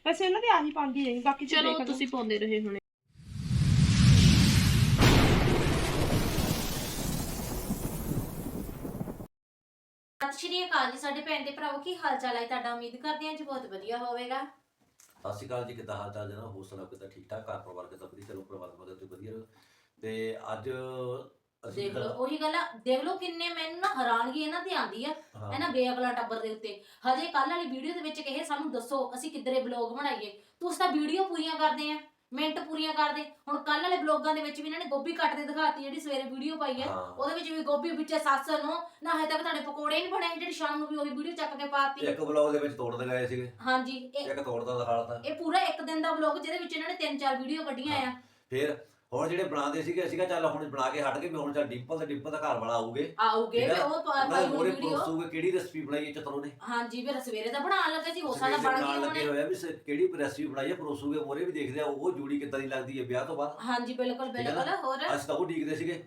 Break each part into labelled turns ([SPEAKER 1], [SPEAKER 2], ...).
[SPEAKER 1] ਵੈਸੇ ਇਹਨਾਂ ਦੀ ਆਹੀ ਪਾਉਂਦੀ ਰਹੀ, ਬਾਕੀ
[SPEAKER 2] ਚਲੋ ਤੁਸੀਂ ਪਾਉਂਦੇ ਰਹੇ ਹੁਣੇ।
[SPEAKER 3] ਸਤਿ ਸ਼੍ਰੀ ਅਕਾਲ ਜੀ ਸਾਡੇ ਭੈਣ ਦੇ ਭਰਾਵੋ, ਕੀ ਹਾਲ ਚਾਲ ਹੈ ਤੁਹਾਡਾ? ਉਮੀਦ ਕਰਦੇ ਹਾਂ ਜੀ ਬਹੁਤ ਵਧੀਆ ਹੋਵੇਗਾ।
[SPEAKER 4] ਸਤਿ ਸ਼੍ਰੀ ਅਕਾਲ ਜੀ, ਕਿੱਦਾਂ ਹਾਲ ਚਾਲ ਜਨਾ? ਹੋਰ ਸੁਣਾਓ ਕਿੱਦਾਂ? ਠੀਕ ਠਾਕ? ਘਰ ਪਰਿਵਾਰ ਕਿੱਦਾਂ? ਵਧੀਆ? ਚਲੋ ਪਰਮਾਤਮਾ ਦੇ ਉੱਤੇ ਵਧੀਆ ਰਹੋ। ਤੇ ਅੱਜ ਅਸੀਂ
[SPEAKER 3] ਦੇਖ ਲਓ ਉਹੀ ਗੱਲ ਆ, ਦੇਖ ਲਓ ਕਿੰਨੇ ਮੈਨੂੰ ਨਾ ਹੈਰਾਨਗੀ ਇਹਨਾਂ ਤੇ ਆਂਦੀ ਆ ਇਹਨਾਂ ਬੇਅਕਲਾਂ ਟੱਬਰ ਦੇ ਉੱਤੇ। ਹਜੇ ਕੱਲ ਵਾਲੀ ਵੀਡੀਓ ਦੇ ਵਿੱਚ ਕਹੇ ਸਾਨੂੰ ਦੱਸੋ ਅਸੀਂ ਕਿੱਧਰੇ ਬਲੌਗ ਬਣਾਈਏ, ਤੁਸੀਂ ਤਾਂ ਵੀਡੀਓ ਪੂਰੀਆਂ ਕਰਦੇ ਆ, ਮਿੰਟ ਪੂਰੀਆਂ ਕਰਦੇ। ਹੁਣ ਕੱਲ ਵਾਲੇ ਬਲੌਗਾਂ ਦੇ ਵਿੱਚ ਵੀ ਇਹਨਾਂ ਨੇ ਗੋਭੀ ਕੱਟਦੇ ਦਿਖਾਤੀ, ਜਿਹੜੀ ਸਵੇਰੇ ਵੀਡੀਓ ਪਾਈ ਹੈ ਉਹਦੇ ਵਿੱਚ ਵੀ ਗੋਭੀ ਵਿੱਚ ਸੱਸ ਨੂੰ ਨਾ ਹਜੇ ਤੱਕ ਤੁਹਾਡੇ ਪਕੌੜੇ ਨਹੀਂ ਬਣੇ, ਜਿਹੜੀ ਸ਼ਾਮ ਨੂੰ ਵੀ ਉਹੀ ਵੀਡੀਓ ਚੱਕ ਕੇ ਪਾਤੀ।
[SPEAKER 4] ਇੱਕ ਬਲੌਗ ਦੇ ਵਿੱਚ ਤੋੜ ਦਿਖਾਏ ਸੀਗੇ।
[SPEAKER 3] ਹਾਂਜੀ
[SPEAKER 4] ਇੱਕ ਤੋੜਦਾ ਦਿਖਾਤਾ।
[SPEAKER 3] ਇਹ ਪੂਰਾ ਇੱਕ ਦਿਨ ਦਾ ਬਲੌਗ ਜਿਹਦੇ ਵਿੱਚ ਇਹਨਾਂ ਨੇ 3-4 ਵੀਡੀਓ ਕੱਢੀਆਂ ਆ।
[SPEAKER 4] ਫਿਰ ਹੁਣ ਜਿਹੜੇ ਬਣਾਉਂਦੇ ਸੀਗੇ ਅਸੀਂ ਕਿਹਾ ਚੱਲ ਹੁਣ ਬਣਾ ਕੇ ਹਟ ਗਏ ਵੀ ਹੁਣ ਚੱਲ ਡਿੰਪਲ ਦਾ ਘਰ ਵਾਲਾ ਆਊਗੇ
[SPEAKER 3] ਵੀ ਉਹ ਪਾਈ ਹੋਈ ਵੀਡੀਓ
[SPEAKER 4] ਦੱਸੂਗੇ ਕਿਹੜੀ ਰੈਸਪੀ ਬਣਾਈ ਹੈ ਚਤਰੋ ਨੇ।
[SPEAKER 3] ਹਾਂਜੀ ਫਿਰ ਸਵੇਰੇ ਤਾਂ ਬਣਾਉਣ ਲੱਗੇ ਸੀ, ਉਹ ਸਾਡਾ ਬਣ ਗਿਆ
[SPEAKER 4] ਲੱਗੇ ਹੋਇਆ ਵੀ ਕਿਹੜੀ ਰੈਸਪੀ ਬਣਾਈ ਹੈ, ਪਰੋਸੂਗੇ ਮੋਰੇ ਵੀ ਦੇਖਦੇ ਆ ਉਹ ਜੋੜੀ ਕਿੱਦਾਂ ਦੀ ਲੱਗਦੀ ਹੈ ਵਿਆਹ ਤੋਂ ਬਾਅਦ।
[SPEAKER 3] ਹਾਂਜੀ ਬਿਲਕੁਲ ਬਿਲਕੁਲ। ਹੋਰ
[SPEAKER 4] ਅਸੀਂ ਤਾਂ ਉਹ ਡੀਕਦੇ ਸੀਗੇ,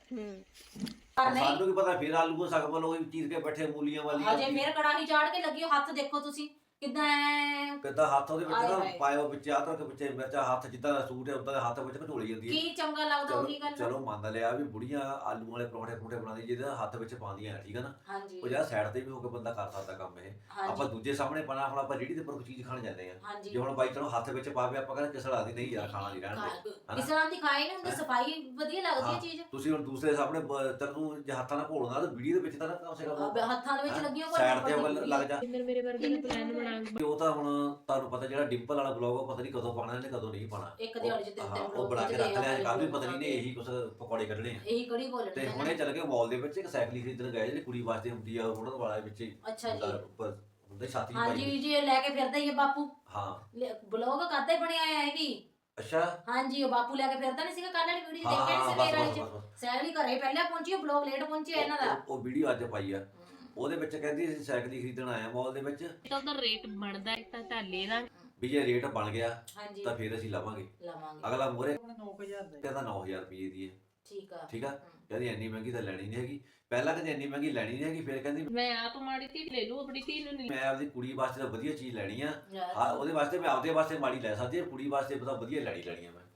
[SPEAKER 4] ਸਾਨੂੰ ਕੀ ਪਤਾ ਫਿਰ ਆਲੂ ਸਗਮਲ ਉਹ ਚੀਰ ਕੇ ਬੈਠੇ ਮੂਲੀਆਂ ਵਾਲੀਆਂ।
[SPEAKER 3] ਹਜੇ ਫਿਰ ਕੜਾਹੀ ਚਾੜ ਕੇ ਲੱਗੀ, ਹੱਥ ਦੇਖੋ ਤੁਸੀਂ ਕਿੱਦਾਂ
[SPEAKER 4] ਹੱਥ ਉਹਦੇ ਵਿੱਚ ਨਾ ਪਾਇਓ ਵਿੱਚ ਆ ਤਾਂ ਪਿੱਛੇ ਮਿਰਚਾ ਹੱਥ ਜਿੱਦਾਂ ਦਾ ਸੂਟ ਹੈ ਉਦਾਂ ਦੇ ਹੱਥ ਵਿੱਚ ਘਟੋਲੀ ਜਾਂਦੀ ਹੈ।
[SPEAKER 3] ਕੀ ਚੰਗਾ ਲੱਗਦਾ ਉਹੀ ਗੱਲ।
[SPEAKER 4] ਚਲੋ ਮੰਨ ਲਿਆ ਵੀ ਬੁੜੀਆਂ ਆਲੂ ਵਾਲੇ ਪਰੌਂਠੇ ਬਣਾਉਂਦੀ ਜਿਹਦੇ ਹੱਥ ਵਿੱਚ ਪਾਉਂਦੀਆਂ ਠੀਕ ਹੈ ਨਾ। ਉਹ ਜਿਹੜਾ ਸਾਈਡ ਤੇ ਵੀ ਹੋ ਕੇ ਬੰਦਾ ਕਰ ਸਕਦਾ ਕੰਮ ਇਹ। ਆਪਾਂ ਦੂਜੇ ਸਾਹਮਣੇ ਪਾਣਾ, ਹੁਣ ਆਪਾਂ ਰੇਹੜੀ ਦੇ ਉੱਪਰ ਕੋਈ ਚੀਜ਼ ਖਾਣ ਜਾਂਦੇ ਆ, ਜੇ ਹੁਣ ਬਾਈ ਚਲੋ ਹੱਥ ਵਿੱਚ ਪਾਵੇ ਆਪਾਂ ਕਹਿੰਦੇ ਕਿਸੜਾ ਦੀ ਨਹੀਂ ਯਾਰ ਖਾਣਾ ਨਹੀਂ ਰਹਿਣ
[SPEAKER 3] ਕਿਸੜਾ ਦੀ ਖਾਏ ਨਹੀਂ ਹੁੰਦੀ, ਸਫਾਈ ਵਧੀਆ ਲੱਗਦੀ ਹੈ ਚੀਜ਼।
[SPEAKER 4] ਤੁਸੀਂ ਹੁਣ ਦੂਸਰੇ ਸਾਹਮਣੇ ਤੈਨੂੰ ਜੇ ਹੱਥਾਂ ਨਾਲ ਘੋਲਣਾ ਤਾਂ ਵੀਡੀਓ ਦੇ ਵਿੱਚ ਤਾਂ ਕਮ ਸੇ ਕਮ
[SPEAKER 3] ਹੱਥਾਂ ਦੇ ਵਿੱਚ ਲੱਗੀਆਂ
[SPEAKER 4] ਸਾਈਡ ਤੇ ਲੱਗ ਜਾ।
[SPEAKER 2] ਮੇਰੇ ਵਰਗੇ ਨੇ ਪਲਾਨ ਬਣਾ
[SPEAKER 4] ਉਹ ਤਾਂ ਹੁਣ ਤੁਹਾਨੂੰ ਪਤਾ ਜਿਹੜਾ ਡਿੰਪਲ ਵਾਲਾ ਬਲੌਗ ਉਹ ਪਤਾ ਨਹੀਂ ਕਦੋਂ ਪਾਣਾ ਇਹਨੇ ਕਦੋਂ ਨਹੀਂ ਪਾਣਾ।
[SPEAKER 3] ਇੱਕ ਦਿਹਾੜੀ ਚ ਤਿੰਨ
[SPEAKER 4] ਉਹ ਬਣਾ ਕੇ ਰੱਖ ਲਿਆ, ਕੱਲ ਵੀ ਪਤਾ ਨਹੀਂ ਨੇ ਇਹੀ ਕੁਝ ਪਕੌੜੇ ਕੱਢਣੇ ਆ,
[SPEAKER 3] ਇਹੀ ਕੜੀ ਬੋਲਣੀ।
[SPEAKER 4] ਤੇ ਹੁਣੇ ਚੱਲ ਕੇ ਮਾਲ ਦੇ ਵਿੱਚ ਇੱਕ ਸਾਈਕਲ ਖਰੀਦਣ ਗਏ ਜਿਹੜੀ ਕੁੜੀ ਵਾਸਤੇ ਹੁੰਦੀ ਆ ਉਹਨਾਂ ਵਾਲੇ ਵਿੱਚ।
[SPEAKER 3] ਅੱਛਾ ਜੀ
[SPEAKER 4] ਉੱਪਰ ਹੁੰਦੇ ਛਾਤੀ
[SPEAKER 3] ਹਾਂਜੀ ਜੀ ਲੈ ਕੇ ਫਿਰਦਾ ਹੀ ਹੈ ਬਾਪੂ।
[SPEAKER 4] ਹਾਂ
[SPEAKER 3] ਬਲੌਗ ਕਰਦਾ ਹੀ ਬਣਿਆ ਆ ਇਹ ਵੀ।
[SPEAKER 4] ਅੱਛਾ
[SPEAKER 3] ਹਾਂਜੀ ਉਹ ਬਾਪੂ ਲੈ ਕੇ ਫਿਰਦਾ ਨਹੀਂ ਸੀਗਾ ਕੱਲ ਵਾਲੀ ਵੀਡੀਓ ਦੇਖਿਆ ਨਹੀਂ ਸਵੇਰ ਵਾਲੀ ਚ। ਸਾਈਕਲ ਹੀ ਘਰੇ ਪਹਿਲਾਂ ਪਹੁੰਚੀ, ਉਹ ਬਲੌਗ ਲੇਟ ਪਹੁੰਚਿਆ ਇਹਨਾਂ ਦਾ।
[SPEAKER 4] ਉਹ ਵੀਡੀਓ ਅੱਜ ਪਾਈ ਆ, ਉਹਦੇ ਵਿੱਚ ਕਹਿੰਦੀ ਅਸੀਂ ਸਾਈਕਲ ਹੀ ਖਰੀਦਣ ਆਇਆ ਮਾਲ ਦੇ ਵਿੱਚ।
[SPEAKER 2] ਤਾਂ ਉਹਦਾ ਰੇਟ ਬਣਦਾ ਤਾਂ ਢਾਲੇ ਦਾ
[SPEAKER 4] ਵੀ ਜੇ ਰੇਟ ਬਣ ਗਿਆ ਤਾਂ ਫਿਰ ਅਸੀਂ ਲਵਾਂਗੇ। ਅਗਲਾ ਮੋਰੇ
[SPEAKER 1] 9000 ਦਾ
[SPEAKER 4] ਕਹਿੰਦਾ 9000 ਰੁਪਏ ਦੀ ਹੈ।
[SPEAKER 3] ਠੀਕ ਆ
[SPEAKER 4] ਕਹਿੰਦੀ ਇੰਨੀ ਮਹਿੰਗੀ ਤਾਂ ਲੈਣੀ ਨਹੀਂ ਹੈਗੀ। ਪਹਿਲਾਂ ਕਹਿੰਦੀ ਇੰਨੀ ਮਹਿੰਗੀ ਲੈਣੀ ਨਹੀਂ ਹੈਗੀ, ਫਿਰ ਕਹਿੰਦੀ
[SPEAKER 2] ਮੈਂ ਆਪ ਮਾੜੀ ਧੀ ਲੈ ਲੂ, ਆਪਣੀ ਧੀ ਨੂੰ ਨਹੀਂ।
[SPEAKER 4] ਮੈਂ ਆਪਦੀ ਕੁੜੀ ਵਾਸਤੇ ਤਾਂ ਵਧੀਆ ਚੀਜ਼ ਲੈਣੀ ਆ, ਉਹਦੇ ਵਾਸਤੇ ਮੈਂ ਆਪਦੇ ਵਾਸਤੇ ਮਾੜੀ ਲੈ ਸਕਦੀ ਹਾਂ, ਕੁੜੀ ਵਾਸਤੇ ਪਤਾ ਵਧੀਆ ਲੈਣੀ ਆ ਮੈਂ।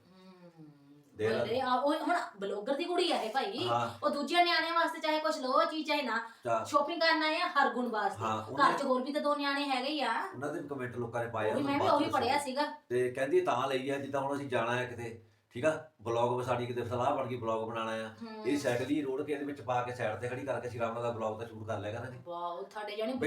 [SPEAKER 3] ਉਹ ਹੁਣ ਬਲੌਗਰ ਦੀ ਕੁੜੀ ਆ ਇਹ ਭਾਈ, ਉਹ ਦੂਜਿਆਂ ਨਿਆਣਿਆਂ ਵਾਸਤੇ ਚਾਹੇ ਕੁਝ ਲੋ ਚੀਜ਼ ਚਾਹੇ ਨਾ, ਸ਼ੋਪਿੰਗ ਕਰਨਾ ਹੈ ਹਰ ਗੁਣ ਵਾਸਤੇ। ਘਰ 'ਚ ਹੋਰ ਵੀ ਤਾਂ 2 ਨਿਆਣੇ ਹੈਗੇ ਹੀ ਆ।
[SPEAKER 4] ਉਹਨਾਂ ਦੇ ਕਮੈਂਟ ਲੋਕਾਂ ਨੇ ਪਾਏ ਆ,
[SPEAKER 3] ਮੈਂ ਵੀ ਉਹੀ ਪੜਿਆ ਸੀਗਾ।
[SPEAKER 4] ਤੇ ਕਹਿੰਦੀ ਤਾਂ ਲਈ ਆ ਜਿੱਦਾਂ ਹੁਣ ਅਸੀਂ ਜਾਣਾ ਹੈ ਕਿਤੇ, ਠੀਕ ਆ, ਬਲੌਗ ਸਾਡੀ ਕਿਤੇ ਸਲਾਹ ਬਣ ਗਈ ਬਲੌਗ ਬਣਾਉਣਾ ਆ, ਇਹ ਸਾਈਕਲ ਹੀ ਰੋਡ ਕੇ ਇਹਦੇ ਵਿੱਚ ਪਾ ਕੇ ਸਾਈਡ ਤੇ ਖੜੀ ਕਰਕੇ ਅਸੀਂ ਆਰਾਮ ਨਾਲ ਬਲੌਗ ਦਾ ਸ਼ੂਟ ਕਰ ਲਿਆ ਕਰਾਂਗੇ।
[SPEAKER 3] ਵਾਓ ਤੁਹਾਡੇ ਜਾਨੀ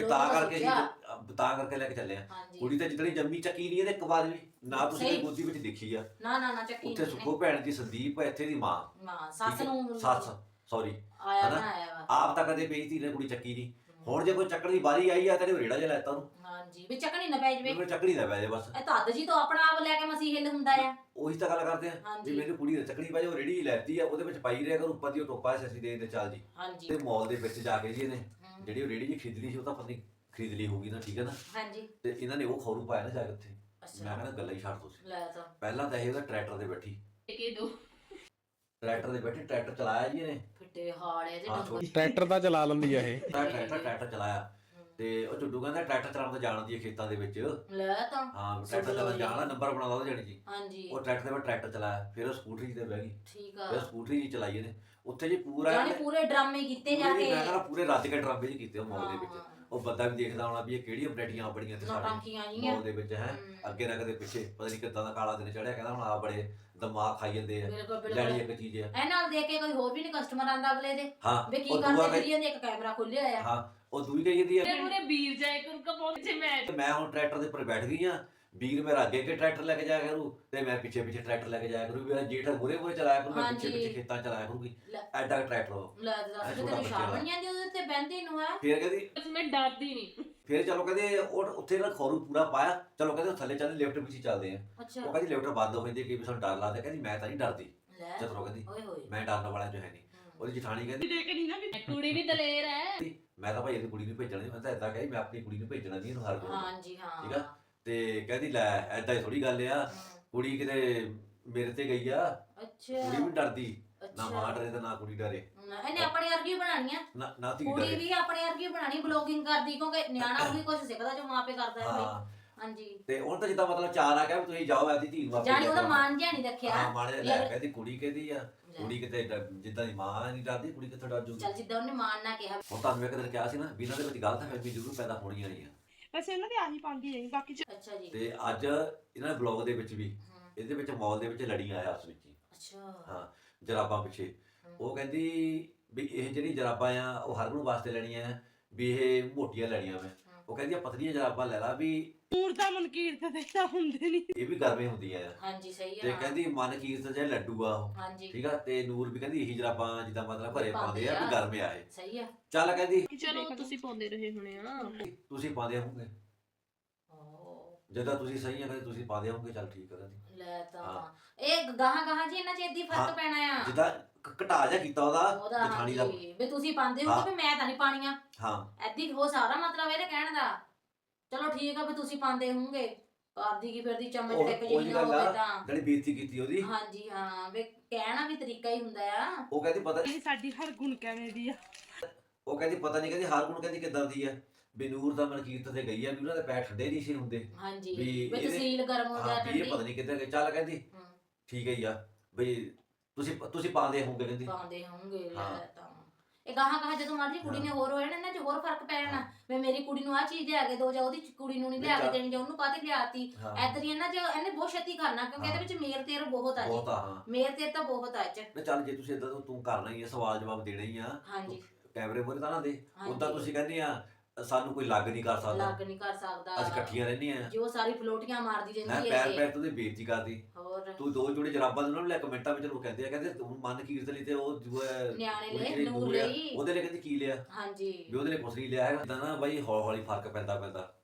[SPEAKER 4] ਤਾਂ ਕਰਕੇ ਲੈ ਕੇ ਚੱਲੇ ਆ। ਕੁੜੀ ਤਾਂ ਜਿੱਦਣੀ ਜੰਮੀ ਚੱਕੀ ਨਹੀਂ ਇਹਦੇ ਇੱਕ ਵਾਰ ਵੀ ਨਾ ਤੁਸੀਂ ਗੋਦੀ ਵਿੱਚ ਦੇਖੀ ਆ।
[SPEAKER 3] ਨਾ ਚੱਕੀ
[SPEAKER 4] ਉੱਥੇ ਸੁੱਖੋ ਭੈਣ ਦੀ ਸੰਦੀਪ ਇੱਥੇ ਦੀ ਮਾਂ ਸੱਸ ਸੌਰੀ ਆਪ ਤਾਂ ਕਦੇ ਬੇਇੱਜ਼ਤੀ ਨੇ ਕੁੜੀ ਚੱਕੀ ਨਹੀਂ। ਹੁਣ ਜੇ ਕੋਈ ਚੱਕਣ ਦੀ ਵਾਰੀ ਆਈ ਆ ਤੇ ਰੇੜਾ ਜਿਹਾ ਲੈਤਾ ਉਹਨੂੰ।
[SPEAKER 3] ਹਾਂਜੀ ਵੀ ਚੱਕਣੀ ਨਾ ਪੈ ਜਵੇ,
[SPEAKER 4] ਚੱਕਣੀ ਨਾ ਪੈ ਜਾਵੇ ਬਸ।
[SPEAKER 3] ਇਹ ਤਾਂ ਜੀ ਤੋਂ ਆਪਣਾ ਆਪ ਲੈ ਕੇ ਮਸੀਂ ਹਿੱਲ ਹੁੰਦਾ ਆ।
[SPEAKER 4] ਉਹੀ ਤਾਂ ਗੱਲ ਕਰਦੇ ਆ ਵੀ ਮੈਨੂੰ ਕੁੜੀ ਨੇ ਚੱਕਣੀ ਪੈ ਜਾ, ਉਹ ਰੇੜੀ ਲੈਤੀ ਆ, ਉਹਦੇ ਵਿੱਚ ਪਾਈ ਰਿਹਾ ਕਰ, ਉੱਪਰ ਦੀ ਉਹ ਟੋਪਾ ਅਸੀਂ ਦੇ ਚੱਲ ਜੀ। ਤੇ ਮਾਲ ਦੇ ਵਿੱਚ ਜਾ ਕੇ ਜੀ ਇਹਨੇ ਜਿਹੜੀ ਉਹ ਰੇੜੀ ਜੀ ਖਰੀਦ ਲਈ ਸੀ, ਉਹ ਤਾਂ ਪਤਾ ਖਰੀਦ ਲਈ ਹੋਊਗੀ ਨਾ, ਠੀਕ ਹੈ ਨਾ। ਤੇ ਇਹਨਾਂ ਨੇ ਉਹ ਖੌਰੂ ਪਾਇਆ ਨਾ ਜਾ ਕੇ ਉੱਥੇ। ਮੈਂ ਕਹਿੰਦਾ ਗੱਲਾਂ ਹੀ ਛੱਡ ਤੁਸੀਂ। ਪਹਿਲਾਂ ਤਾਂ ਇਹ ਉਹਦਾ ਟਰੈਕਟਰ ਦੇ ਬੈਠੀ, ਟਰੈਕਟਰ ਦੇ ਬੈਠੀ, ਟਰੈਕਟਰ ਚਲਾਇਆ ਜੀ ਇਹਨੇ।
[SPEAKER 3] ਫਿੱਟੇ ਹਾਲੇ ਜੇ
[SPEAKER 5] ਟਰੈਕਟਰ ਤਾਂ ਚਲਾ ਲੈਂਦੀ ਆ ਇਹ।
[SPEAKER 4] ਟਰੈਕਟਰ ਚਲਾਇਆ ਤੇ ਉਹ ਝੁੱਡੂ ਕਹਿੰਦਾ ਟਰੈਕਟਰ ਚਲਾਉਣ ਤਾਂ ਜਾਣਦੀ ਹੈ ਖੇਤਾਂ ਦੇ ਵਿੱਚ।
[SPEAKER 3] ਲੈ ਤਾਂ
[SPEAKER 4] ਹਾਂ ਟਰੈਕਟਰ ਚਲਾਉਣ ਜਾਣਦਾ, ਨੰਬਰ ਬਣਾਉਂਦਾ ਉਹ ਜਾਣੀ ਜੀ।
[SPEAKER 3] ਹਾਂਜੀ
[SPEAKER 4] ਉਹ ਟਰੈਕਟਰ ਦੇ ਬਾਅਦ ਟਰੈਕਟਰ ਚਲਾਇਆ, ਫਿਰ ਉਹ ਸਕੂਟਰੀ ਤੇ ਬਹਿ ਗਈ।
[SPEAKER 3] ਠੀਕ ਆ,
[SPEAKER 4] ਫਿਰ ਸਕੂਟਰੀ ਜੀ ਚਲਾਈ ਇਹਨੇ ਉੱਥੇ ਜੀ ਪੂਰਾ
[SPEAKER 3] ਯਾਨੀ ਪੂਰੇ ਡਰਾਮੇ ਕੀਤੇ ਜਾ ਕੇ।
[SPEAKER 4] ਮੈਂ ਕਹਿੰਦਾ ਪੂਰੇ ਰੱਜ ਕੇ ਡਰਾਮੇ ਜੀ ਕੀਤੇ ਉਹ ਮਾਲ ਦੇ ਵਿੱਚ। ਉਹ ਬੰਦਾ ਵੀ ਦੇਖਦਾ ਹੋਣਾ ਵੀ ਇਹ ਕਿਹੜੀਆਂ ਵੈਰਾਈਟੀਆਂ ਬੜੀਆਂ ਤੇ ਸਾਡੇ ਮਾਲ ਦੇ ਵਿੱਚ ਹੈ। ਅੱਗੇ ਨਾ ਕਦੇ ਪਿੱਛੇ ਪਤਾ ਨਹੀਂ ਕਿੱਦਾਂ ਦਾ ਕਾਲਾ ਦਿਨ ਚੜਿਆ, ਕਹਿੰਦਾ ਹੁਣ ਆ ਬੜੇ ਦਿਮਾਗ ਖਾਈ ਜਾਂਦੇ ਆ, ਲੈਣੀ ਇੱਕ ਚੀਜ਼ ਆ।
[SPEAKER 3] ਇਹ ਨਾਲ ਦੇਖ ਕੇ ਕੋਈ ਹੋਰ ਵੀ ਨਹੀਂ ਕਸਟਮਰ ਆਂਦਾ ਅਗਲੇ ਦੇ ਵੀ ਕੀ
[SPEAKER 4] ਉਹ
[SPEAKER 3] ਕਰਦੇ ਫਿਰੀਆਂ ਦੇ, ਇੱਕ ਕੈਮਰਾ ਖੁੱਲਿਆ ਆ।
[SPEAKER 4] ਹਾਂ ਉਹ ਦੂਈ ਕਹੀ ਜਾਂਦੀ ਆ
[SPEAKER 2] ਪੂਰੇ ਵੀਰ ਜਾਏ ਕਰੂ ਕਾ ਪਹੁੰਚੇ
[SPEAKER 4] ਮੈਂ ਹੁਣ ਟਰੈਕਟਰ ਦੇ ਉੱਪਰ ਬੈਠ ਗਈ ਆ, ਵੀਰ ਮੇਰਾ ਅੱਗੇ ਟਰੈਕਟਰ ਲੈ ਕੇ ਜਾਇਆ ਕਰੂ ਤੇ ਮੈਂ ਪਿੱਛੇ ਟਰੈਕਟਰ ਲੈ ਕੇ ਜਾਇਆ ਕਰੂ। ਮੇਰਾ ਜੇਠ ਮੂਹਰੇ ਚਲਾਇਆ ਕਰੂ, ਮੈਂ ਪਿੱਛੇ ਖੇਤਾਂ ਚਲਾਇਆ ਕਰੂਗੀ। ਐਡਾ ਟਰੈਕਟਰ
[SPEAKER 3] ਲੈ ਦੱਸ ਤੇ ਸ਼ਾਮ ਬਣ ਜਾਂਦੀ ਉਹਦੇ ਤੇ ਬਹਿੰਦੀ ਨੂੰ ਆ।
[SPEAKER 4] ਫਿਰ ਕਹਿੰਦੀ
[SPEAKER 2] ਮੈਂ ਡਰਦੀ ਨਹੀਂ।
[SPEAKER 4] ਫਿਰ ਚਲੋ ਕਹਿੰਦੇ ਉਹ ਉੱਥੇ ਨਾ ਖੌਰੂ ਪੂਰਾ ਪਾਇਆ, ਚਲੋ ਕਹਿੰਦੇ ਥੱਲੇ ਚੱਲਦੇ ਲਿਫਟ ਵਿੱਚ ਚੱਲਦੇ ਆ। ਉਹ ਕਹਿੰਦੀ ਲਿਫਟ ਬੰਦ ਹੋ ਜਾਂਦੀ, ਕਿ ਸਾਨੂੰ ਡਰ ਲੱਗਦਾ। ਕਹਿੰਦੀ ਮੈਂ ਤਾਂ ਨਹੀਂ ਡਰਦੀ, ਚਤਰੋ ਕਹਿੰਦੀ ਮੈਂ ਡਰਨ ਵਾਲਾ ਜੋ ਹੈ ਨਹੀਂ। ਉਹਦੀ ਜਠਾਣੀ ਕਹਿੰਦੀ
[SPEAKER 2] ਕੁੜੀ ਵੀ ਦਲੇਰ ਹੈ।
[SPEAKER 4] ਮੈਂ ਤਾਂ ਭਾਈ ਇਹਦੀ ਕੁੜੀ ਨੂੰ ਭੇਜਣਾ ਨਹੀਂ, ਮੈਂ ਤਾਂ ਏਦਾਂ ਕਹੀ ਮੈਂ ਆਪਣੀ ਕੁੜੀ ਨੂੰ ਭੇਜਣਾ ਨਹੀਂ ਇਹਨੂੰ ਹਰ ਕੋਈ।
[SPEAKER 3] ਹਾਂਜੀ ਹਾਂ
[SPEAKER 4] ਠੀਕ ਆ। ਤੇ ਕਹਿੰਦੀ ਲੈ ਏਦਾਂ ਹੀ ਥੋੜੀ ਗੱਲ ਆ, ਕੁੜੀ ਕਿਤੇ ਮੇਰੇ ਤੇ ਗਈ ਆ। ਕੁੜੀ ਵੀ ਡਰਦੀ ਨਾ, ਮਾਂ ਡਰੇ ਤੇ ਨਾ ਕੁੜੀ ਡਰੇ।
[SPEAKER 3] ਇਹਨੇ ਆਪਣੇ ਵਰਗੀ ਬਣਾਣੀ ਆ
[SPEAKER 4] ਨਾ ਧੀ
[SPEAKER 3] ਕੁੜੀ ਵੀ ਆਪਣੇ ਵਰਗੀ ਬਣਾਣੀ, ਬਲੌਗਿੰਗ ਕਰਦੀ, ਕਿਉਂਕਿ ਨਿਆਣਾ ਵੀ ਕੁਝ ਸਿੱਖਦਾ ਜੋ ਮਾਪੇ ਕਰਦਾ ਹੈ। ਹਾਂਜੀ
[SPEAKER 4] ਤੇ ਹੁਣ ਤਾਂ ਜਿੱਦਾਂ ਮਤਲਬ ਚਾਰ ਆ ਗਿਆ ਵੀ ਤੁਸੀਂ ਜਾਓ ਆਪਦੀ ਧੀ ਨੂੰ ਆਪੇ
[SPEAKER 3] ਜਾਨੀ
[SPEAKER 4] ਲੈ
[SPEAKER 3] ਉਹਦਾ
[SPEAKER 4] ਕੇ
[SPEAKER 3] ਮਾਨ ਜਿਹਾ ਨਹੀਂ ਰੱਖਿਆ
[SPEAKER 4] ਹਾਂ ਮਾਣੇ
[SPEAKER 3] ਵੀ
[SPEAKER 4] ਲੈ
[SPEAKER 3] ਅਗਰ-
[SPEAKER 4] ਕਹਿੰਦੀ ਕੁੜੀ ਕਿਹਦੀ ਆ ਕੁੜੀ ਕਿਤੇ ਜਿੱਦਾਂ ਦੀ ਮਾਂ ਨਹੀਂ ਡਰਦੀ ਕੁੜੀ ਕਿੱਥੋਂ ਡਰ ਜੂਗੀ
[SPEAKER 3] ਚੱਲ ਜਿੱਦਾਂ ਉਹਨੇ ਮਾਨ ਨਾ ਕਿਹਾ
[SPEAKER 4] ਹੁਣ ਤੁਹਾਨੂੰ ਇੱਕ ਦਿਨ ਕਿਹਾ ਸੀ ਨਾ ਵੀ ਇਹਨਾਂ ਦੇ ਵਿੱਚ ਗਲਤ ਫਹਿਮੀ ਜ਼ਰੂਰ ਪੈਦਾ ਹੋਣੀਆਂ ਨਹੀਂ ਆ
[SPEAKER 1] ਵੈਸੇ ਇਹਨਾਂ ਦੀ ਆਹੀ ਪਾਉਂਦੀ ਰਹੀ ਬਾਕੀ ਚ
[SPEAKER 3] ਅੱਛਾ ਜੀ
[SPEAKER 4] ਤੇ ਅੱਜ ਇਹਨਾਂ ਦੇ ਬਲੌਗ ਦੇ ਵਿੱਚ ਵੀ ਇਹਦੇ ਵਿੱਚ ਮਾਲ ਦੇ ਵਿੱਚ ਲੜੀਆਂ ਆਇਆ ਉਸ ਵਿੱਚ ਹੀ
[SPEAKER 3] ਅੱਛਾ
[SPEAKER 4] ਹਾਂ ਜਰਾਬਾਂ ਪਿੱਛੇ ਉਹ ਕਹਿੰਦੀ ਵੀ ਇਹ ਜਿਹੜੀ ਜਰਾਬਾਂ ਆ ਉਹ ਹਰਗੁਣ ਵਾਸਤੇ ਲੈਣੀਆਂ ਆ ਵੀ ਇਹ ਮੋਟੀਆਂ ਲੈਣੀਆਂ ਮੈਂ ਉਹ ਕਹਿੰਦੀ ਆ ਪਤਲੀਆਂ ਜਰਾਬਾਂ ਲੈ ਲਾ ਵੀ
[SPEAKER 1] ਨੂਰ ਦਾ ਮਨਕੀਰਤ ਦੇ ਤਾਂ ਹੁੰਦੇ ਨਹੀਂ
[SPEAKER 4] ਇਹ ਵੀ ਗਰਮੇ ਹੁੰਦੀਆਂ ਆ
[SPEAKER 3] ਹਾਂਜੀ ਸਹੀ
[SPEAKER 4] ਤੇ
[SPEAKER 3] ਆ
[SPEAKER 4] ਕਹਿੰਦੀ ਮਨਕੀਰਤ ਜੇ ਲੱਡੂ ਆ ਉਹ
[SPEAKER 3] ਹਾਂਜੀ
[SPEAKER 4] ਠੀਕ ਆ ਤੇ ਨੂਰ ਵੀ ਕਹਿੰਦੀ ਇਹੀ ਜਰਾਬਾਂ ਜਿੱਦਾਂ ਮਤਲਬ ਘਰੇ ਪਾਉਂਦੇ ਆ ਵੀ ਗਰਮੇ ਆ ਇਹ
[SPEAKER 3] ਸਹੀ ਆ
[SPEAKER 4] ਚੱਲ ਕਹਿੰਦੀ
[SPEAKER 2] ਚਲੋ ਤੁਸੀਂ ਪਾਉਂਦੇ ਰਹੇ ਹੋਣੇ ਆ
[SPEAKER 4] ਤੁਸੀਂ ਪਾਉਂਦੇ ਹੋਵੋਗੇ ਜਦੋਂ ਤੁਸੀਂ ਸਹੀ ਆ ਕਹਿੰਦੇ ਤੁਸੀਂ ਪਾਉਂਦੇ ਹੋਵੋਗੇ ਚੱਲ ਠੀਕ ਆ ਕਹਿੰਦੀ
[SPEAKER 3] ਲੈ ਤਾਂ
[SPEAKER 4] ਹਾਂ।
[SPEAKER 3] ਇਹ ਗਾਹਾਂ ਜੀ ਇਹਨਾਂ ਚ ਏਦੀ
[SPEAKER 4] ਹਾਂ।
[SPEAKER 3] ਫਰਕ ਪੈਣਾ ਆ
[SPEAKER 4] ਜਿੱਦਾਂ ਘਟਾ ਜਾ ਕੀਤਾ ਉਹਦਾ
[SPEAKER 3] ਉਹਦਾ
[SPEAKER 4] ਜਠਾਣੀ ਦਾ
[SPEAKER 3] ਹਾਂਜੀ ਵੀ ਤੁਸੀਂ ਪਾਉਂਦੇ ਹੋ
[SPEAKER 4] ਹਾਂ।
[SPEAKER 3] ਕਿ ਮੈਂ ਤਾਂ ਨਹੀਂ ਪਾਣੀਆਂ
[SPEAKER 4] ਹਾਂ
[SPEAKER 3] ਐਦੀ ਹੋ ਸਾਰਾ ਮਤਲਬ ਇਹਦੇ ਕਹਿਣ ਦਾ ਚਲੋ ਠੀਕ ਆ ਵੀ ਤੁਸੀਂ ਪਾਉਂਦੇ ਹੋਵੋਗੇ ਕਰਦੀ ਕੀ ਫਿਰਦੀ ਚਮਚ ਟਿਕ
[SPEAKER 4] ਉਹ
[SPEAKER 3] ਜਿਹੀ
[SPEAKER 4] ਜੀ
[SPEAKER 3] ਨਾ
[SPEAKER 4] ਗੱਲ
[SPEAKER 3] ਹੋਵੇ
[SPEAKER 4] ਆ
[SPEAKER 3] ਤਾਂ
[SPEAKER 4] ਜਿਹੜੀ ਬੇਇੱਜ਼ਤੀ ਕੀਤੀ ਉਹਦੀ
[SPEAKER 3] ਹਾਂਜੀ ਹਾਂ ਵੀ ਕਹਿਣਾ ਵੀ ਤਰੀਕਾ ਹੀ ਹੁੰਦਾ ਆ
[SPEAKER 4] ਉਹ ਕਹਿੰਦੀ ਪਤਾ
[SPEAKER 1] ਇਹ ਸਾਡੀ ਹਰ ਗੁਣ ਕਿਵੇਂ ਦੀ ਆ
[SPEAKER 4] ਉਹ ਕਹਿੰਦੀ ਪਤਾ ਨਹੀਂ ਕਹਿੰਦੀ ਹਰਗੁਣ ਕਹਿੰਦੀ ਕਿੱਦਾਂ ਦੀ ਆ ਵੀ ਨੂਰ ਦਾ ਮਨਕੀਰਤ ਤੇ ਗਈ ਆ ਵੀ ਉਹਨਾਂ ਦੇ ਪੈਰ ਠੰਡੇ ਨਹੀਂ ਸੀ ਹੁੰਦੇ
[SPEAKER 3] ਹਾਂਜੀ
[SPEAKER 4] ਵੀ
[SPEAKER 3] ਵੀ
[SPEAKER 4] ਇਹਦੇ-
[SPEAKER 3] ਤਸੀਲ ਗਰਮ ਹੋ
[SPEAKER 4] ਹਾਂ
[SPEAKER 3] ਗਿਆ
[SPEAKER 4] ਵੀ ਇਹ
[SPEAKER 3] ਠੰਡੀ
[SPEAKER 4] ਪਤਾ ਨਹੀਂ ਕਿੱਦਾਂ ਗਏ ਚੱਲ ਕਹਿੰਦੀ
[SPEAKER 3] ਹਮ,
[SPEAKER 4] ਠੀਕ ਹੈ ਹੀ ਆ ਬਈ ਤੁਸੀਂ ਪਾਉਂਦੇ ਹੋਵੋਗੇ ਕਹਿੰਦੀ
[SPEAKER 3] ਪਾਉਂਦੇ ਹੋਣਗੇ ਲੈ
[SPEAKER 4] ਹਾਂ।
[SPEAKER 3] ਤਾਂ ਇਹ ਗਾਹਾਂ ਜਦੋਂ ਮਰਜੀ ਕੁੜੀ ਨੇ ਹੋਰ ਹੋਏ ਨਾ ਇਹਨਾਂ ਚ ਹੋਰ ਫਰਕ ਪੈ ਜਾਣਾ ਵੀ ਮੇਰੀ ਕੁੜੀ ਨੂੰ ਆ ਚੀਜ਼ ਲਿਆ ਕੇ ਦੋ ਜਾਂ ਉਹਦੀ ਕੁੜੀ ਨੂੰ ਨਹੀਂ ਲਿਆ ਕੇ ਦੇਣੀ ਜਾਂ ਉਹਨੂੰ ਕਾਹਤੇ ਲਿਆਤੀ
[SPEAKER 4] ਹਾਂ
[SPEAKER 3] ਐਦਾਂ ਹੀ ਇਹਨਾਂ ਚ ਇਹਨੇ ਬਹੁਤ ਛੇਤੀ ਕਰਨਾ ਕਿਉਂਕਿ ਇਹਦੇ ਵਿੱਚ ਮੇਰ ਤੇਰ ਬਹੁਤ ਆ ਜੀ
[SPEAKER 4] ਬਹੁਤ ਆ ਹਾਂ
[SPEAKER 3] ਮੇਰ ਤੇਰ ਤਾਂ ਬਹੁਤ ਆ ਇਹ ਚ
[SPEAKER 4] ਨਾ ਚੱਲ ਜੇ ਤੁਸੀਂ ਇਦਾਂ ਤੂੰ ਕਰਨਾ ਹੀ ਆ ਸਵਾਲ ਜਵਾਬ ਦੇਣਾ ਹੀ ਆ
[SPEAKER 3] ਹਾਂਜੀ
[SPEAKER 4] ਕੈਮਰੇ ਮੂਹਰੇ ਤਾਂ ਨਾ ਦੇ
[SPEAKER 3] ਹਾਂਜੀ।
[SPEAKER 4] ਉਦਾਂ ਤੁਸੀਂ ਕਹਿੰਦੇ ਆ ਸਾਨੂੰ ਕੋਈ ਲੱਗ ਨਹੀਂ ਕਰ ਸਕਦਾ
[SPEAKER 3] ਲੱਗ ਨਹੀਂ ਕਰ ਸਕਦਾ
[SPEAKER 4] ਅਸੀਂ ਇਕੱਠੀਆਂ ਰਹਿੰਦੀਆਂ ਆ
[SPEAKER 3] ਜੋ ਸਾਰੀ ਫਲੋਟੀਆਂ ਮਾਰਦੀ
[SPEAKER 4] ਮੈਂ
[SPEAKER 3] ਰਹਿੰਦੀ
[SPEAKER 4] ਪੈਰ
[SPEAKER 3] ਹੈ
[SPEAKER 4] ਪੈਰ ਤੋਂ ਦੀ ਬੇਇੱਜ਼ਤੀ ਕਰਦੀ
[SPEAKER 3] ਹੋਰ
[SPEAKER 4] ਤੂੰ ਦੋ ਜੋੜੇ ਜਰਾਬਾਂ ਦੇ ਉਹਨਾਂ ਨੂੰ ਲੈ ਕਮੈਂਟਾਂ ਵਿੱਚ ਲੋਕ ਕਹਿੰਦੇ ਆ ਕਹਿੰਦੇ ਤੂੰ ਮਨ ਕੀਰਤ ਲਈ ਤੇ ਉਹ ਜੋ ਹੈ
[SPEAKER 3] ਨਿਆਣੇ
[SPEAKER 4] ਉਹਦੀ
[SPEAKER 3] ਲੈ
[SPEAKER 4] ਜਿਹੜੀ
[SPEAKER 3] ਨੂਰ
[SPEAKER 4] ਨੂਰ ਆ,
[SPEAKER 3] ਲਈ
[SPEAKER 4] ਉਹਦੇ ਲਈ ਕਹਿੰਦੀ ਕੀ ਲਿਆ
[SPEAKER 3] ਹਾਂਜੀ
[SPEAKER 4] ਵੀ ਉਹਦੇ ਲਈ ਕੁਛ ਨਹੀਂ ਲਿਆ ਹੈਗਾ ਇਦਾਂ ਨਾ ਬਾਈ ਹੌਲੀ ਹੌਲੀ ਫਰਕ ਪੈਂਦਾ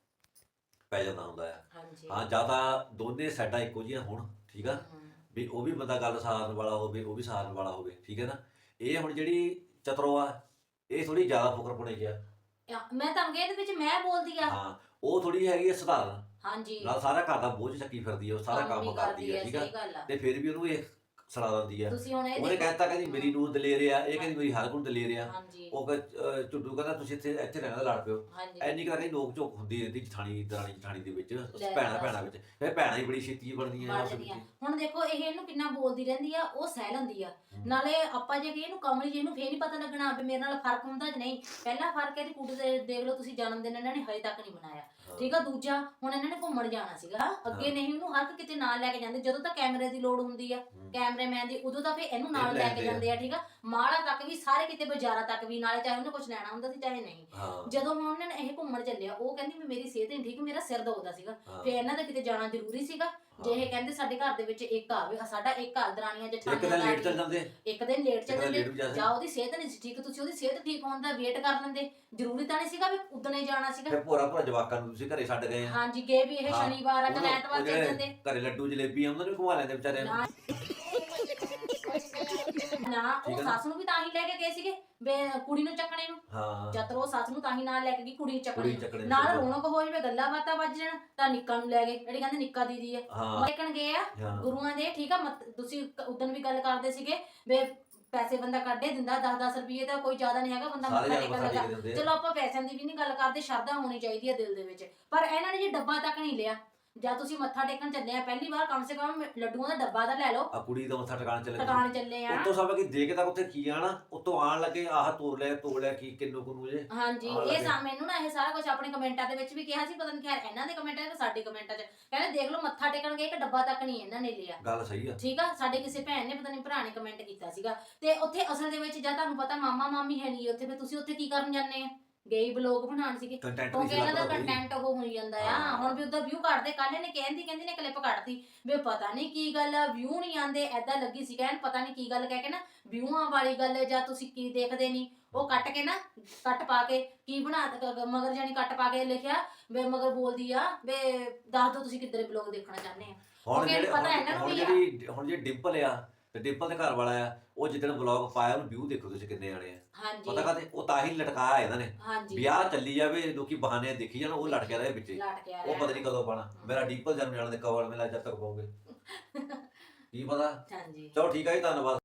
[SPEAKER 4] ਪੈ ਜਾਂਦਾ ਹੁੰਦਾ ਆ
[SPEAKER 3] ਹਾਂਜੀ
[SPEAKER 4] ਹਾਂ ਜਿਆਦਾ ਦੋਨੇ ਸਾਈਡਾਂ ਇੱਕੋ ਜਿਹੀਆਂ ਹੋਣ ਠੀਕ ਆ ਵੀ ਉਹ ਵੀ ਬੰਦਾ ਗੱਲ ਸਾਰਨ ਵਾਲਾ ਹੋਵੇ ਉਹ ਵੀ ਸਾਰਨ ਵਾਲਾ ਹੋਵੇ ਠੀਕ ਹੈ ਨਾ ਇਹ ਹੁਣ ਜਿਹੜੀ ਚਤਰੋ ਆ ਇਹ ਥੋੜੀ ਜ਼ਿਆਦਾ ਫੁਕਰਪੁਣੇ ਜਿਹਾ
[SPEAKER 3] ਮੈਂ ਤਾਂ ਇਹਦੇ ਵਿੱਚ ਮੈਂ ਬੋਲਦੀ ਆ
[SPEAKER 4] ਹਾਂ ਉਹ ਥੋੜੀ ਹੈਗੀ ਆ ਸਧਾਰਨ
[SPEAKER 3] ਹਾਂਜੀ
[SPEAKER 4] ਨਾਲ ਸਾਰਾ ਘਰ ਦਾ ਬੋਝ ਚੱਕੀ ਫਿਰਦੀ ਆ ਉਹ ਸਾਰਾ ਕੰਮ
[SPEAKER 3] ਵੀ
[SPEAKER 4] ਕਰਦੀ ਆ ਠੀਕ ਆ
[SPEAKER 3] ਸਹੀ ਗੱਲ ਆ
[SPEAKER 4] ਤੇ ਫਿਰ ਵੀ ਉਹਨੂੰ ਇਹ ਸੁਣਾ ਦਿੰਦੀ ਆ
[SPEAKER 3] ਤੁਸੀਂ ਹੁਣ ਇਹ
[SPEAKER 4] ਉਹਨੇ
[SPEAKER 3] ਦੇਖੋ
[SPEAKER 4] ਕਹਿਤਾ ਕਹਿੰਦੀ ਮੇਰੀ ਨੂਰ ਦਲੇਰ ਆ ਇਹ ਕਹਿੰਦੀ ਮੇਰੀ ਹਰਗੁਣ ਦਲੇਰ ਆ
[SPEAKER 3] ਹਾਂਜੀ
[SPEAKER 4] ਉਹ ਝੁੱਡੂ ਕਹਿੰਦਾ ਤੁਸੀਂ ਇੱਥੇ ਰਹਿਣਾ ਲੜ ਪਿਓ
[SPEAKER 3] ਹਾਂਜੀ
[SPEAKER 4] ਐਨੀ ਕਰਕੇ ਨੋਕ ਝੋਕ ਹੁੰਦੀ ਰਹਿੰਦੀ ਜਠਾਣੀ ਦਰਾਣੀ ਜਠਾਣੀ ਦੇ ਵਿੱਚ
[SPEAKER 3] ਲੈ
[SPEAKER 4] ਭੈਣਾਂ
[SPEAKER 3] ਦੱਸ।
[SPEAKER 4] ਵਿੱਚ ਫਿਰ ਭੈਣਾਂ ਹੀ ਬੜੀ ਛੇਤੀ ਬਣਦੀਆਂ
[SPEAKER 3] ਬਣ
[SPEAKER 4] ਆਪਸ
[SPEAKER 3] ਜਾਂਦੀਆਂ।
[SPEAKER 4] ਵਿੱਚ
[SPEAKER 3] ਹੁਣ ਦੇਖੋ ਇਹ ਇਹਨੂੰ ਕਿੰਨਾ ਬੋਲਦੀ ਰਹਿੰਦੀ ਆ ਉਹ ਸਹਿ ਲੈਂਦੀ ਆ
[SPEAKER 4] ਹਮ।
[SPEAKER 3] ਨਾਲੇ ਆਪਾਂ ਜੇ ਕਹੀਏ ਇਹਨੂੰ ਕਮਲੀ ਜੀ ਇਹਨੂੰ ਫੇਰ ਨਹੀਂ ਪਤਾ ਲੱਗਣਾ ਵੀ ਮੇਰੇ ਨਾਲ ਫਰਕ ਹੁੰਦਾ ਜਾਂ ਨਹੀਂ ਪਹਿਲਾ ਫਰਕ ਇਹਦੀ ਕੁੜੀ ਦੇ ਦੇਖ ਲਓ ਤੁਸੀਂ ਜਨਮ ਦਿਨ ਇਹਨਾਂ ਨੇ ਹਜੇ ਤੱਕ ਨਹੀਂ ਮਨਾਇਆ ਠੀਕ ਆ ਦੂਜਾ ਹੁਣ ਇਹਨਾਂ ਨੇ ਘੁੰਮਣ ਜਾਣਾ ਸੀਗਾ ਅੱਗੇ ਨਹੀਂ ਉਹਨੂੰ ਹਰ ਇੱਕ ਕਿਤੇ ਨਾਲ ਲੈ ਕੇ ਜਾਂਦੇ ਜਦੋਂ ਤਾਂ ਕੈਮਰੇ ਦੀ ਲੋੜ ਹੁੰਦੀ ਆ ਕੈਮਰਾਮੈਨ ਦੀ ਉਦੋਂ ਤਾਂ ਫੇਰ ਇਹਨੂੰ ਨਾਲ ਲੈ ਕੇ ਜਾਂਦੇ ਆ ਠੀਕ ਆ ਮਾੜਾ ਤੱਕ ਵੀ ਸਾਰੇ ਕਿਤੇ ਬਾਜ਼ਾਰਾਂ ਤੱਕ ਵੀ ਨਾਲੇ ਚਾਹੇ ਉਹਨੇ ਕੁਝ ਲੈਣਾ ਹੁੰਦਾ ਸੀ ਚਾਹੇ ਨਹੀਂ
[SPEAKER 4] ਹਾਂ
[SPEAKER 3] ਜਦੋਂ ਹੁਣ ਉਹਨਾਂ ਨੇ ਇਹ ਘੁੰਮਣ ਚੱਲਿਆ ਉਹ ਕਹਿੰਦੀ ਵੀ ਮੇਰੀ ਸਿਹਤ ਨਹੀਂ ਠੀਕ ਮੇਰਾ ਸਿਰ ਦੁਖਦਾ ਸੀਗਾ
[SPEAKER 4] ਹਾਂ।
[SPEAKER 3] ਫੇ ਇਹਨਾਂ ਦਾ ਕਿਤੇ ਜਾਣਾ ਜ਼ਰੂਰੀ ਸੀਗਾ ਜੇ ਇਹ ਕਹਿੰਦੇ ਸਾਡੇ ਘਰ ਦੇ ਵਿੱਚ ਇੱਕ ਆਵੇ ਸਾਡਾ ਇੱਕ ਘਰ ਦਰਾਣੀਆਂ
[SPEAKER 4] ਇੱਕ
[SPEAKER 3] ਜਠਾਣੀਆਂ
[SPEAKER 4] ਦਿਨ
[SPEAKER 3] ਦਾ
[SPEAKER 4] ਲੇਟ ਚੱਲ ਜਾਂਦੇ
[SPEAKER 3] ਇੱਕ ਦਿਨ ਲੇਟ
[SPEAKER 4] ਇੱਕ
[SPEAKER 3] ਚੱਲ
[SPEAKER 4] ਦਿਨ
[SPEAKER 3] ਜਾਂਦੇ
[SPEAKER 4] ਲੇਟ ਵੀ ਜਾ
[SPEAKER 3] ਜਾਂ ਉਹਦੀ ਸਿਹਤ ਨਹੀਂ ਸੀ ਠੀਕ ਤੁਸੀਂ ਉਹਦੀ ਸਿਹਤ ਠੀਕ ਹੋਣ ਦਾ ਵੇਟ ਕਰ ਲੈਂਦੇ ਜ਼ਰੂਰੀ ਤਾਂ ਨਹੀਂ ਸੀਗਾ ਵੀ ਉਦਣੇ ਜਾਣਾ ਸੀਗਾ
[SPEAKER 4] ਫਿਰ ਭੋਰਾ ਜਵਾਕਾਂ ਨੂੰ ਤੁਸੀਂ ਘਰੇ ਛੱਡ ਗਏ ਆ
[SPEAKER 3] ਹਾਂਜੀ ਗਏ ਵੀ ਇਹ
[SPEAKER 4] ਹਾਂ।
[SPEAKER 3] ਸ਼ਨੀਵਾਰ ਆ ਜਾਂ
[SPEAKER 4] ਉਹ
[SPEAKER 3] ਐਤਵਾਰ ਚੱਲ
[SPEAKER 4] ਜਿਹੜੇ
[SPEAKER 3] ਜਾਂਦੇ
[SPEAKER 4] ਘਰੇ ਲੱਡੂ ਜਲੇਬੀ ਉਹਨਾਂ ਨੂੰ ਘੁਮਾ ਲੈਂਦੇ ਵਿਚਾਰਿਆਂ ਨੂੰ
[SPEAKER 3] ਨਾ ਨਾ
[SPEAKER 4] ਠੀਕ
[SPEAKER 3] ਉਹ
[SPEAKER 4] ਹੈ ਨਾ?
[SPEAKER 3] ਸੱਸ ਨੂੰ ਵੀ ਤਾਂ ਹੀ ਲੈ ਕੇ ਗਏ ਸੀਗੇ ਬੇ ਕੁੜੀ ਨੂੰ ਚੱਕਣੇ ਨੂੰ
[SPEAKER 4] ਹਾਂ
[SPEAKER 3] ਜਦ ਉਹ ਸੱਸ ਨੂੰ ਤਾਂ ਹੀ ਨਾਲ ਲੈ ਕੇ ਗਈ ਕੁੜੀ ਨੂੰ ਚੱਕਣੇ
[SPEAKER 4] ਕੁੜੀ
[SPEAKER 3] ਨੂੰ।
[SPEAKER 4] ਚੱਕਣੇ
[SPEAKER 3] ਨਾਲ ਰੌਣਕ ਹੋ ਜਾਵੇ ਗੱਲਾਂ ਬਾਤਾਂ ਵੱਜ ਜਾਣ ਤਾਂ ਨਿੱਕਾ ਨੂੰ ਲੈ ਗਏ ਜਿਹੜੀ ਕਹਿੰਦੇ ਨਿੱਕਾ ਦੀਦੀ ਆ
[SPEAKER 4] ਹਾਂ
[SPEAKER 3] ਦੇਖਣ ਗਏ ਆ
[SPEAKER 4] ਹਾਂ
[SPEAKER 3] ਗੁਰੂਆਂ ਦੇ ਠੀਕ ਆ ਤੁਸੀਂ ਉਦੋਂ ਵੀ ਗੱਲ ਕਰਦੇ ਸੀਗੇ ਵੇ ਪੈਸੇ ਬੰਦਾ ਕੱਢੇ ਦਿੰਦਾ 10-10 ਰੁਪਏ ਦਾ ਕੋਈ ਜ਼ਿਆਦਾ ਨਹੀਂ ਹੈਗਾ ਬੰਦਾ
[SPEAKER 4] ਸਾਰੇ
[SPEAKER 3] ਮੱਥਾ
[SPEAKER 4] ਜਾਨ
[SPEAKER 3] ਟੇਕਣ
[SPEAKER 4] ਮੱਥਾ
[SPEAKER 3] ਲੱਗਾ
[SPEAKER 4] ਟੇਕ ਦਿੰਦੇ ਆ।
[SPEAKER 3] ਚਲੋ ਆਪਾਂ ਪੈਸਿਆਂ ਦੀ ਵੀ ਨਹੀਂ ਗੱਲ ਕਰਦੇ ਸ਼ਰਧਾ ਹੋਣੀ ਚਾਹੀਦੀ ਹੈ ਦਿਲ ਦੇ ਵਿੱਚ ਪਰ ਇਹਨਾਂ ਨੇ ਜੀ ਡੱਬਾ ਤੱਕ ਨਹੀਂ ਲਿਆ ਜਾਂ ਤੁਸੀਂ ਮੱਥਾ ਟੇਕਣ ਚੱਲੇ ਆ ਪਹਿਲੀ ਵਾਰ ਕਮ ਸੇ ਕਮ ਲੱਡੂਆਂ ਦਾ ਡੱਬਾ ਤਾਂ ਲੈ ਲਓ
[SPEAKER 4] ਆ ਕੁੜੀ ਦਾ ਮੱਥਾ ਟਿਕਾਣ ਚੱਲੇ
[SPEAKER 3] ਟਿਕਾਣ ਚੱਲੇ ਆ
[SPEAKER 4] ਉੱਤੋਂ ਸਭ ਕੀ ਦੇ ਕੇ ਤਾਂ ਉੱਥੇ ਕੀ ਆਣਾ ਉੱਤੋਂ ਆਣ ਲੱਗੇ ਆਹ ਤੋੜ ਲਿਆ ਕੀ ਕਿੰਨੂ ਕੁਨੂ ਜੇ
[SPEAKER 3] ਹਾਂਜੀ
[SPEAKER 4] ਆਹ
[SPEAKER 3] ਇਹ
[SPEAKER 4] ਲੱਗੇ।
[SPEAKER 3] ਮੈਨੂੰ ਨਾ ਇਹ ਸਾਰਾ ਕੁਝ ਆਪਣੇ ਕਮੈਂਟਾਂ ਦੇ ਵਿੱਚ ਵੀ ਕਿਹਾ ਸੀ ਪਤਾ ਨਹੀਂ ਖੈਰ ਇਹਨਾਂ ਦੇ ਕਮੈਂਟਾਂ 'ਚ ਤੇ ਸਾਡੇ ਕਮੈਂਟਾਂ 'ਚ ਕਹਿੰਦੇ ਦੇਖ ਲਓ ਮੱਥਾ ਟੇਕਣ ਗਏ ਇੱਕ ਡੱਬਾ ਤੱਕ ਨਹੀਂ ਇਹਨਾਂ ਨੇ ਲਿਆ
[SPEAKER 4] ਗੱਲ ਸਹੀ ਆ
[SPEAKER 3] ਠੀਕ ਆ ਸਾਡੇ ਕਿਸੇ ਭੈਣ ਨੇ ਪਤਾ ਨਹੀਂ ਭਰਾ ਨੇ ਕਮੈਂਟ ਕੀਤਾ ਸੀਗਾ ਤੇ ਉੱਥੇ ਅਸਲ ਦੇ ਵਿੱਚ ਜਾਂ ਤੁਹਾਨੂੰ ਪਤਾ ਮਾਮਾ ਮਾਮੀ ਹੈ ਨਹੀਂ ਉੱਥੇ ਫਿਰ ਤੁਸੀਂ ਉੱਥੇ ਕੀ ਕਰਨ ਜਾਂਦੇ ਆ ਗਏ ਬਲੌਗ ਬਣਾਉਣ ਸੀਗੇ
[SPEAKER 4] ਕੰਟੈਂਟ
[SPEAKER 3] ਕਿਉਂਕਿ
[SPEAKER 4] ਨਹੀਂ
[SPEAKER 3] ਇਹਨਾਂ ਦਾ
[SPEAKER 4] ਲੱਗਦਾ
[SPEAKER 3] ਕੰਟੈਂਟ ਉਹ ਹੋਈ ਜਾਂਦਾ ਆ
[SPEAKER 4] ਹਾਂ।
[SPEAKER 3] ਹੁਣ ਵੀ ਉਹਦਾ ਵਿਊ ਕੱਢਦੇ ਕੱਲ ਇਹਨੇ ਕਹਿੰਦੀ ਨੇ ਕਲਿੱਪ ਕੱਢਤੀ ਵੀ ਪਤਾ ਨਹੀਂ ਕੀ ਗੱਲ ਆ ਵਿਊ ਨਹੀਂ ਆਂਦੇ ਐਦਾਂ ਲੱਗੀ ਸੀ ਕਹਿਣ ਪਤਾ ਨਹੀਂ ਕੀ ਗੱਲ ਕਹਿ ਕੇ ਨਾ ਵਿਊਆਂ ਵਾਲੀ ਗੱਲ ਜਾਂ ਤੁਸੀਂ ਕੀ ਦੇਖਦੇ ਨਹੀਂ ਉਹ ਕੱਟ ਕੇ ਨਾ ਕੱਟ ਪਾ ਕੇ ਕੀ ਬਣਾ ਮਗਰ ਜਾਨੀ ਕੱਟ ਪਾ ਕੇ ਲਿਖਿਆ ਵੇ ਮਗਰ ਬੋਲਦੀ ਆ ਵੇ ਦੱਸ ਦੋ ਤੁਸੀਂ ਕਿੱਧਰੇ ਬਲੌਗ ਦੇਖਣਾ ਚਾਹੁੰਦੇ ਆ
[SPEAKER 4] ਹੁਣ
[SPEAKER 3] ਕਿਉਂਕਿ
[SPEAKER 4] ਜਿਹੜੇ
[SPEAKER 3] ਪਤਾ ਇਹਨਾਂ ਨੂੰ
[SPEAKER 4] ਹੁਣ
[SPEAKER 3] ਵੀ ਆ।
[SPEAKER 4] ਹੁਣ ਜਿਹੜੀ ਡਿੰਪਲ ਆ ਤੇ ਡਿੰਪਲ ਦੇ ਘਰ ਵਾਲਾ ਆ ਉਹ ਜਿੱਦਣ ਵਲੌਗ ਪਾਇਆ ਉਹਨੂੰ ਵਿਊ ਦੇਖੋ ਤੁਸੀਂ ਕਿੰਨੇ ਆਣੇ ਆ
[SPEAKER 3] ਹਾਂਜੀ
[SPEAKER 4] ਪਤਾ ਕਾਤੇ ਉਹ ਤਾਂ ਹੀ ਲਟਕਾਇਆ ਇਹਨਾਂ ਨੇ
[SPEAKER 3] ਹਾਂਜੀ
[SPEAKER 4] ਵਿਆਹ ਚੱਲੀ ਜਾਵੇ ਲੋਕੀ ਬਹਾਨੇ ਦੇਖੀ ਜਾਣ ਉਹ ਲਟਕਿਆ ਰਹੇ ਵਿੱਚੇ
[SPEAKER 3] ਲਟ ਕੇ ਆ
[SPEAKER 4] ਉਹ ਪਤਾ ਨਹੀਂ ਕਦੋਂ ਪਾਣਾ ਮੇਰਾ ਡਿੰਪਲ ਜਨਮ ਜਾਣ ਦੇ ਕਵਲ ਮੇਲਾ ਜਦ ਤੱਕ ਪਾਉਗੇ ਕੀ ਪਤਾ
[SPEAKER 3] ਹਾਂਜੀ
[SPEAKER 4] ਚਲੋ ਠੀਕ ਆ ਜੀ ਧੰਨਵਾਦ